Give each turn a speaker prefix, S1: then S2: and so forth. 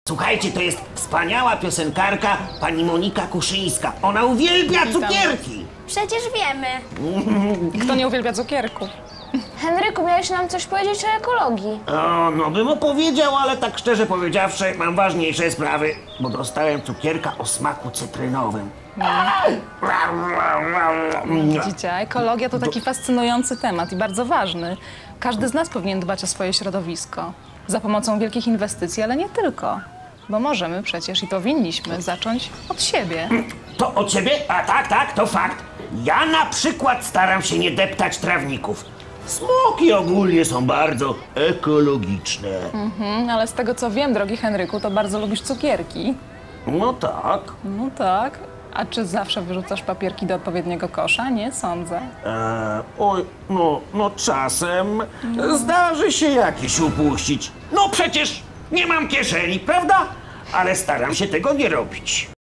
S1: Słuchajcie, to jest wspaniała piosenkarka pani Monika Kuszyńska. Ona uwielbia cukierki.
S2: Przecież wiemy.
S3: Kto nie uwielbia cukierków?
S2: Henryku, miałeś nam coś powiedzieć o ekologii.
S1: O, no bym opowiedział, ale tak szczerze powiedziawszy, mam ważniejsze sprawy, bo dostałem cukierka o smaku cytrynowym.
S3: Widzicie, ekologia to taki fascynujący temat i bardzo ważny. Każdy z nas powinien dbać o swoje środowisko. Za pomocą wielkich inwestycji, ale nie tylko. Bo możemy przecież i powinniśmy zacząć od siebie.
S1: To od ciebie? A tak, to fakt. Ja na przykład staram się nie deptać trawników. Smoki ogólnie są bardzo ekologiczne.
S3: Ale z tego co wiem, drogi Henryku, to bardzo lubisz cukierki.
S1: No tak.
S3: No tak. A czy zawsze wyrzucasz papierki do odpowiedniego kosza? Nie sądzę.
S1: Oj, no czasem zdarzy się jakiś upuścić. No przecież nie mam kieszeni, prawda? Ale staram się tego nie robić.